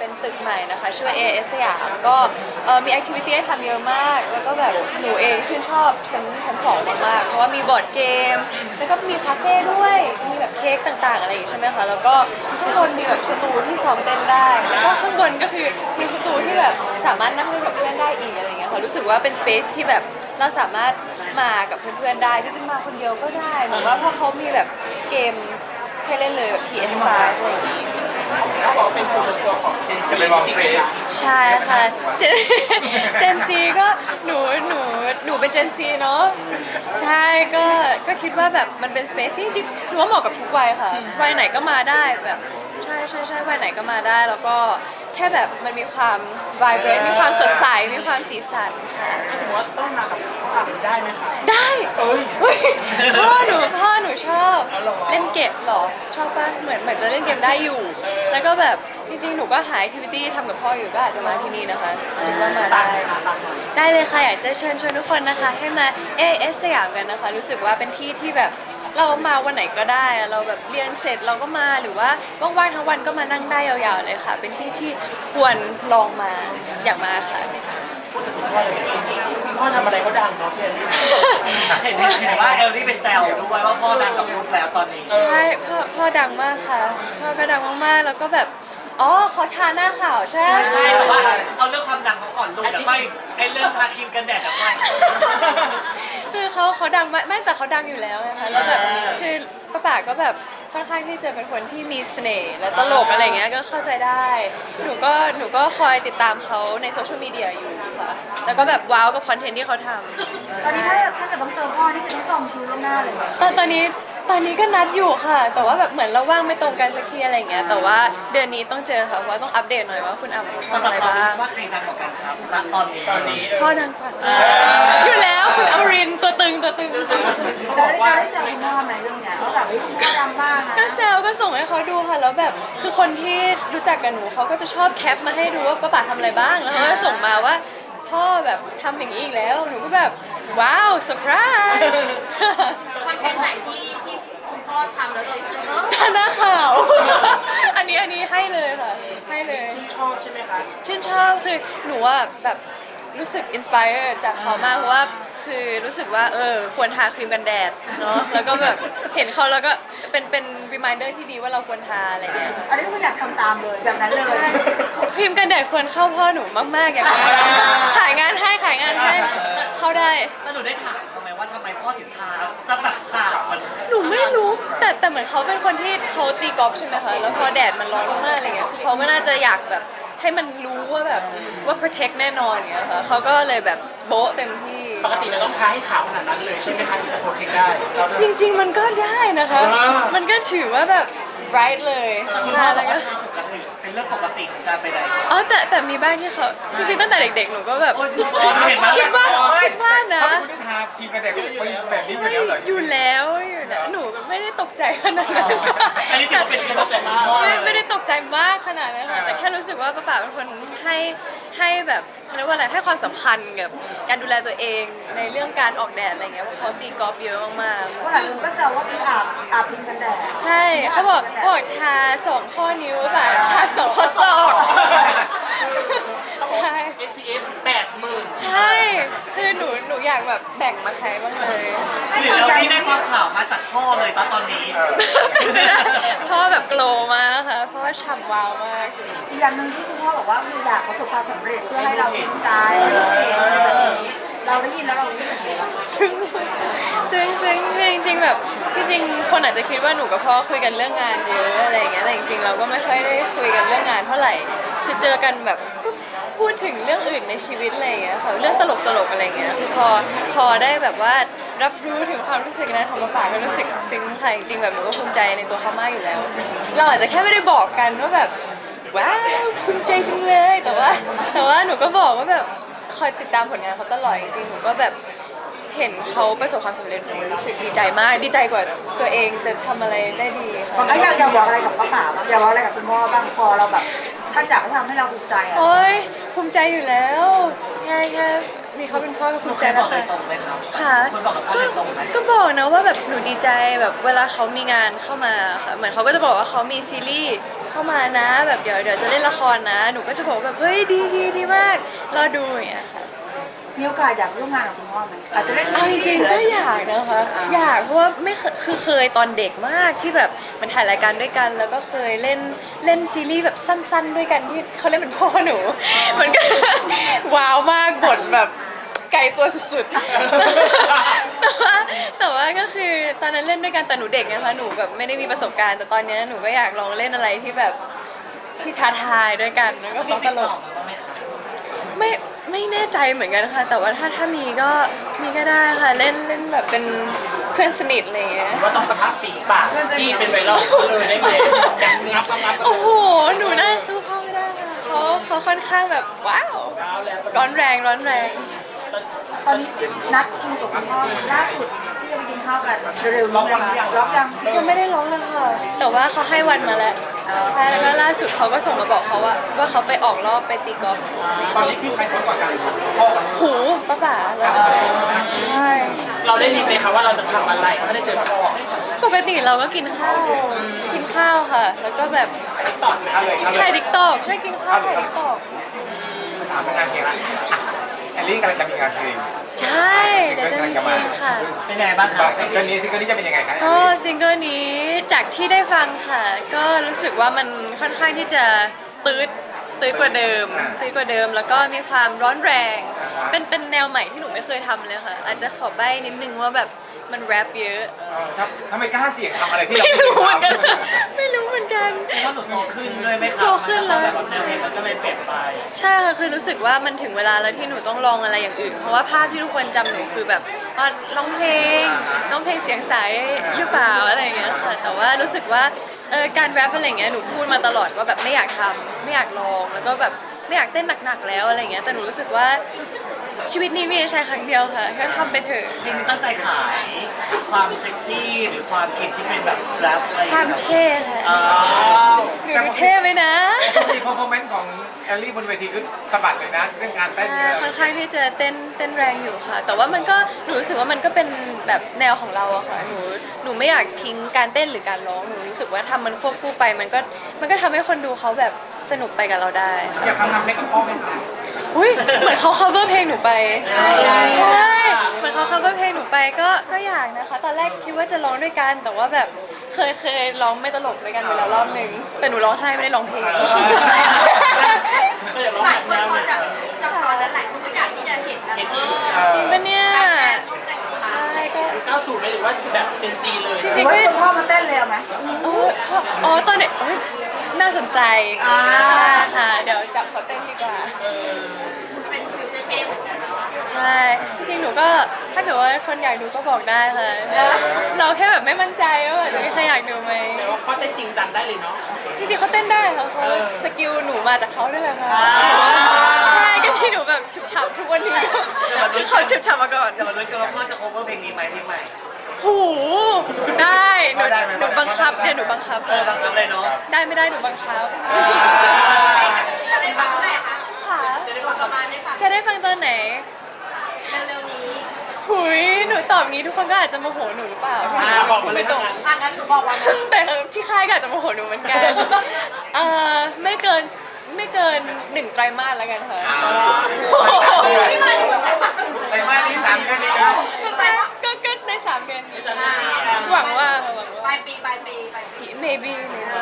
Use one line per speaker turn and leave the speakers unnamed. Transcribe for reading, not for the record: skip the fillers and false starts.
เป็นตึกใหม่นะคะชื่อว่า AS สยามก็มีแอคทิวิตี้ให้ทำเยอะมากแล้วก็แบบหนูเองชื่นชอบชั้นสองมากๆเพราะว่ามีบอร์ดเกมแล้วก็มีคาเฟ่ด้วยมีแบบเค้กต่างๆอะไรอย่างงี้ใช่ไหมคะแล้วก็ข้างบนมีแบบสตูที่ซ้อมเต้นได้แล้วก็ข้างบนก็คือมีสตูที่แบบสามารถนั่งเล่นกับเพื่อนได้อีกอะไรอย่างเงี้ยค่ะรู้สึกว่าเป็นสเปซที่แบบเราสามารถมากับเพื่อนๆได้จริงๆมาคนเดียวก็ได้เหมือนว่าเพราะเขามีแบบเกมให้เล่นเลยแบบ PS5 อะไรอย่างงี้
เขาบอกเป็นตัวของเจนซีจริงไหมคะ
ใช่ค่ะเจนซีก็หนูเป็นเจนซีเนาะใช่ก็คิดว่าแบบมันเป็นสเปซที่จริงๆหนูว่าเหมาะกับทุกวัยค่ะวัยไหนก็มาได้แบบใช่วัยไหนก็มาได้แล้วก็แค่แบบมันมีความ vibrant มีความสดใสมีความสีสันค่ะ
ถ้าสมมติว่าต้องมากับเขาอาบได้ไหมคะ
ได้
เอ้ย
เฮ้ยพ่อหนูชอบ
อ๋อเหรอ
เล่นเกมเหรอชอบป่ะเหมือนจะเล่นเกมได้อยู่ แล้วก็แบบจริงๆหนูก็หาแอคทิวิตี้ทำกับพ่ออยู่ก็อาจจะมาที่นี่นะคะคิดว่ามา
ตา
ได้
มค่ะตามมา
ได้เลยค่ะอยากจะเชิญชวนทุกคนนะคะให้มา AS สยามกันนะคะรู้สึกว่าเป็นที่ที่แบบเรามาวันไหนก็ได้อะเราแบบเรียนเสร็จเราก็มาหรือว่าว่างๆทั้งวันก็มานั่งได้ยาวๆเลยค่ะ เป็นที่ที่ควรลองมาอยากมาค่ะ
คุณพ่อทำอะไรก็ดังเนาะพี่แอนนี่
เห็นว่าเอลลี่ไปแซวด้วยว่าพ่อดังกับลูกแล้วตอนนี้
ใช่พ่อดังมากค่ะพ่อก็ดังมากๆแล้วก็แบบอ๋อเขาทาหน้าขาวใช่ไหม
ใช่แต่ว่าเอาเรื่องความดังเขาก่อนลูกเดี๋ยวค่อยไอ้เรื่องทาครีมกันแดดเดี๋ยวค่อย
คือเขาดังมากไม่แต่เขาดังอยู่แล้วนะคะแล้วแบบคือป้าป๋าก็แบบค่อนข้างที่จะเป็นคนที่มีเสน่ห์และตลกอะไรเงี้ยก็เข้าใจได้หนูก็คอยติดตามเขาในโซเชียลมีเดียอยู่ค่ะแล้วก็แบบว้าวกับคอนเทนต์ที่เขาทำ
ตอนนี้ถ้าเกิดต้องเจอพ่อนี่คือต้องจองคิวล่วงหน้าเลยไหม
ตอนนี้ก็นัดอยู่ค่ะ แต่ว่าแบบเหมือนเราว่างไม่ตรงกันสักทีอะไรอย่างเงี้ยแต่ว่าเดือนนี้ต้องเจอค่ะเพราะว่าต้องอัปเดตหน่อยว่าคุณอ่ำ
สำ
ทำ
หรั
อะ
บ
ไร
เรา
บ้าง
ว่าใครดังกว่ากันครับณตอนนี้
พ่อดังกว่าอยู่แล้วคุณอมรินทร์ตัวตึง
เราได้แซวคุณพ่อไหมเรื่องเนี้ยว่าแบบคุณพ่อดังมากนะ
ก็แซวก็ส่งให้เขาดูค่ะแล้วแบบคือคนที่รู้จักกับหนูเขาก็จะชอบแคปมาให้ดูว่าป้าป๋าทำอะไรบ้างแล้วเขาก็ส่งมาว่าพ่อแบบทำอย่างนี้อีกแล้วหนูก็แบบว้าวเซอร์ไพรส์
คอนเทนต์ไหนที่คุณพ่อทำแล้วเรารู้สึกเออ
ทาหน้าขาว อันนี้ให้เลยค่ะให้เลย
ชื่นชอบใช่ไหมคะ
ชื่นชอบคือหนูว่าแบบรู้สึกอินสปายจากเขามากเพราะว่าคือรู้สึกว่าควรทาครีมกันแดดเนาะแล้วก็แบบเห็นเขาแล้วก็เป็นรีมายเดอร์ที่ดีว่าเราควรทาอะไรอย่างเงี้ยค่ะ
อันนี้ก็คืออยากทำตามเลยแบบนั้นเลย
ครีมกันแดดควรเข้าพ่อหนูมากๆอย่างนี้ขายงานให้เข้าได้
แล้วหนูได้ถามเขาไหมว่าทำไมพ่อถึงทาจะแบบฉาบมัน
หนูไม่รู้แต่เหมือนเขาเป็นคนที่เขาตีกอล์ฟใช่ไหมคะแล้วพอแดดมันร้อนมากๆอะไรเงี้ยคือเขาก็น่าจะอยากแบบให้มันรู้ว่าแบบว่า protect แน่นอนอย่างเงี้ยค่ะเขาก็เลยแบบโบ๊ะเต็มที่
ปกติเราต้องทาให้ขาวขนาดนั้นเลยใช่ไหมคะถึงจะโปรเทคได้
จริงๆมันก็ได้นะคะ มันก็ถือว่าแบบ bright เลย
คุณพ่อ
แล้
บอ
ว
ก
ก็
ว่าทาปกติเป็นเรื่องปกติของการไปไหน
อ๋อแต่มีบ้างที่เขาจริงๆตั้งแต่เด็กๆหนูก็แบบ
โอ๊ยเห็นไหม
คิดว่านะ
เขาไม่ได้ทาครีมกันแดดแบบนี้อยู่แล้วเหรอ
อยู่แล้วหนูไม่ได้ตกใจขนาดนั้น
อันนี้ถือว่าเป็นเคล็ดลับแต่มาก
ไม่ได้ตกใจมากขนาดนั้นค่ะแต่แค่รู้สึกว่าป้าป๋าเป็นคนให้แบบเขาเรียกว่าอะไรให้ความสำคัญกับการดูแลตัวเองในเรื่องการออกแดดอะไรเงี้ยเพราะเขาตีกอล์ฟเยอะมากๆ
ว่าหลายคนก็แซวว่าคืออาบพิมพ์กันแดด
ใช่เขาบอกทาสองข้อนิ้วแบบทาสองข้อศอก
เขาบอก
ใช่
SPF 80,000
ใช่ คือหนูอยากแบบแบ่งมาใช้บ้างเลย
หรือเราที่ได้ความข่าวมาจากพ่อเลยตอนนี้
เพราะว่าแบบโกลว์มากค่ะ เพราะว่าฉ่ำวาวมาก
อีกอย่างหนึ่งที่คุณพ่อบอกว่าคืออยากประสบความสำเร็จเพื่อให้เราภูมิใจเราได้ยินแล้วเรารู้สึกไงบ้าง
ซึ่งจริงๆแบบที่จริงคนอาจจะคิดว่าหนูกับพ่อคุยกันเรื่องงานเยอะอะไรอย่างเงี้ยแต่จริงๆเราก็ไม่ค่อยได้คุยกันเรื่องงานเท่าไหร่คือเจอกันแบบก็พูดถึงเรื่องอื่นในชีวิตอะไรอย่างเงี้ยค่ะเรื่องตลกๆอะไรอย่างเงี้ยคือพอได้แบบว่ารับรู้ถึงความรู้สึกนั้นของป้าป๋าก็รู้สึกซึ้งค่ะจริงๆแบบหนูก็ภูมิใจในตัวเขามากอยู่แล้ว เราอาจจะแค่ไม่ได้บอกกันว่าแบบว้าวภูมิใจจังเลยแต่ว่าหนูก็บอกว่าแบบคอยติดตามผลงานเขาตลอดจริงๆหนูก็แบบเห็นเขาประสบความสำเร็จหนูรู้สึกดีใจมากดีใจกว่าตัวเองจะทำอะไรได้ดีค่ะ
แล้วอยากบอกอะไรกับป้าป๋าบ้างอยากบอกอะไรกับคุณพ่อบ้างพอเราแบบท่านอยากให้ทำให้เราภูมิใจอ่ะ
โอ๊ยภูมิใจอยู่แล้วแค่มีเขาเป็นพ่อก็ภูมิ
เค
ใจ
ยบ
แล้
อ
ว
กโด
ค่ะ
ยตรงไหมครับ
ค่ะ
คุณบอกกับพ่อโดยตรงไหม
ก็บอกนะว่าแบบหนูดีใจแบบเวลาเขามีงานเข้ามาค่ะเหมือนเขาก็จะบอกว่าเขามีซีรีส์เข้ามานะแบบเดี๋ยวจะเล่นละครนะหนูก็จะบอกแบบเฮ้ยดีมากรอดูอย่างเงี้ยค่ะ
มีโอกาสอยากร่วมงานกับคุณพ่อไหมอาจจะเล่น
เอาจริงๆก็อยากนะคะอยากเพราะว่าไม่เคยตอนเด็กมากที่แบบมันถ่ายรายการด้วยกัน แล้วก็เคยเล่นซีรีส์แบบสั้นๆด้วยกันที่เขาเล่นเป็นพ่อหนู มันก็ ว้าวมากบทแบบไกลตัวสุดๆ แต่ว่าก็คือตอนนั้นเล่นด้วยกันแต่หนูเด็กนะคะหนูแบบไม่ได้มีประสบการณ์แต่ตอนเนี้ยหนูก็อยากลองเล่นอะไรที่แบบที่ท้าทายด้วยกันแล้วก็ต้องตลกไม่แน่ใจเหมือนกันค่ะ แต่ว่าถ้ามีก็ได้ค่ะเล่นแบบเป็นเพื่อนสนิทอะไรอย่างเงี้ย
ว่าต้องประทับฝีปากที่เป็นไวรัลเลยได้ไหมแบบงับ
โอ้โหหนูน่าสู้พ่อไม่ได้ค่ะเขาค่อนข้างแบบว้าวร้อนแรง
ตอนนี้นัดคุยกับคุณพ่อล่าสุดที่จะไปกินข้าวกันเร็วๆนี้นะคะล็อกยัง
ยังไม่ได้ร้องเลยค่ะแต่ว่าเขาให้วันมาแล้วใช่แล้วก็ล่าสุดเขาก็ส่งมาบอกเขาว่าเขาไปออกรอบไปตีกอล์ฟ
ตอนนี้พี่ใครสวยกว่ากันพ่อกับลูก
หูป้าแล้วก็ใช่
เราได้ยินไหมคะว่าเราจะทำอะไรถ้าได้เจอพ่อ
ปกติเราก็กินข้าวค่ะ แล้วก็แบบ
ต่อเลย
ถ่ายดิกตอกใช่กินข้าวถ่ายดิกตอก
ถามงานเพลงละแอลลี่กำลังจะมีงานเพลง
ใช่เดี๋ยวจะมีเพลงค่ะ
เป็นไงบ้างครับ
ซิงเกิลนี้จะเป็นยังไงคะ
ก็ซิงเกิลนี้จากที่ได้ฟังค่ะ ก็รู้สึกว่ามันค่อนข้างที่จะตืดกว่าเดิมแล้วก็มีความร้อนแรง เป็นแนวใหม่ที่หนูไม่เคยทำเลยค่ะ อาจจะขอใบ้นิดนึงว่าแบบมันแรปเยอะ
ทำไมกล้าเสี่ยงทำอะไรที่เรา
ไม่
ไม่
รู้
เค
เหมื
ย
อนกัน
ทำ
ไม่รู้เหมือนกัน
ว่าหนูโตขึ้นด้วยไหมครับ
โตขึ้นแล้ว
แบบแนวเพลงมันก็เลยเปลี่ยนไป
ใช่ค่ะคือรู้สึกว่ามันถึงเวลาแล้วที่หนูต้องลองอะไรอย่างอื่น เพราะว่าภาพที่ทุกคนจำหนูคือแบบร้องเพลงเสียงใสหรือเปล่าอะไรอย่างเงี้ยค่ะแต่ว่ารู้สึกว่าการแรปอะไรอย่างเงี้ยหนูพูดมาตลอดว่าแบบไม่อยากทำไม่อยากลองแล้วก็แบบไม่อยากเต้นหนักๆแล้วอะไรอย่างเงี้ยแต่หนูรู้สึกว่าชีวิตนี้มีใช้ครั้งเดียวค่ะแค่ทำไปเถอะ
เพลงนี้ตั้งใจขายความเซ็กซี่หรือความคิดที่เป็นแบบแรปอะไรอย่
ค
ง
วาม
เงี้ย
เท่ค่ะ
อ๋อ
หนูเท่ไหมนะ
มีคอมเมนต์ของแอลลี่บนเวทีคือสะบัดเลยนะเรื่องการเต้นเนี่ย
ค่อนข้างที่จะเต้นแรงอยู่ค่ะ แต่ว่ามันก็หนูรู้สึกว่ามันก็เป็นแบบแนวของเราอะค่ะหนูไม่อยากทิ้งการเต้นหรือการร้องหนูรู้สึกว่าทำมันควบคู่ไปมันก็ทำให้คนดูเขาแบบสนุกไปกับเราได้ค่ะ
อยากทำเพลงกับพ่อไหมคะ
อุ้ยเหมือนเขา cover เพลงหนูไปใช่เหมือนเขา cover เพลงหนูไปก็อยากนะคะ ตอนแรกคิดว่าจะร้องด้วยกัน แต่ว่าแบบเคยร้องไม่ตลกด้วยกันไปแล้วรอบนึงแต่หนูร้องไห้ไม่ได้ร้องเพลง
หลายคนพอจากตอนนั้นหลายคนก็อยากที่จะเห็นนะ
จริงปะเนี่ยใช่ก็
90ไหมหรือว่าแบบเจนซีเลย
จ
ห
ริ
รื
ง
อ
ๆก็
ว่าคุณพ่อมาเต้นเร็วไหม
อ๋อตอนเด็กเอ้ยน่าสนใจค่ะเดี๋ยวจับเขาเต้นดีกว่า
เป็นฟิวเท่ๆเหมือนกัน
ใช่ จริงๆ หนูก็ถ้าเกิดว่าคนอยากดูก็บอกได้ค่ะ เราแค่แบบไม่มั่นใจว่าจะมีใครอยากดูไหม
แต่ว่าข้อเต้นจริงจังได้เลยเนาะ
จริงๆเขาเต้นได้ค่ะเขาสกิลหนูมาจากเขาด้วยแหละค่ะใช่ก็ที่หนูแบบฉุบฉับทุกวันนี้คือเขาฉุบฉับมาก่อน
จะมาลุ้นกันว่าพ่อจะ cover เพลงนี้ไหมเพลงใหม่
หูได้หนูบังคับเนี่ยหนูบังคับ
บังคับเลยเนาะ
ได้ไม่ได้หนูบังคับ
จะได้ฟังเมื่อไหร่คะ
ค่ะ
จะได้ฟังประมาณได้ฟัง
จะได้ฟังตอนไหน
เร็วๆนี้
หุยหนูตอบงี้ทุกคนก็อาจจะโมโหหนูหรือเปล่า
บอกมาเลย
ไม่ตรง
อ่ะงั้นหนูบอกว่านะ
แต่ที่ค่ายก็อาจจะโมโหหนูเหมือนกันไม่เกิน1 ไตรมาสแล้วกันค่ะ
ไอ้มานี่3 เดือนนี้นะ
ก็ใน3 เดือนนี้หวังว่า
ปลายปี
maybe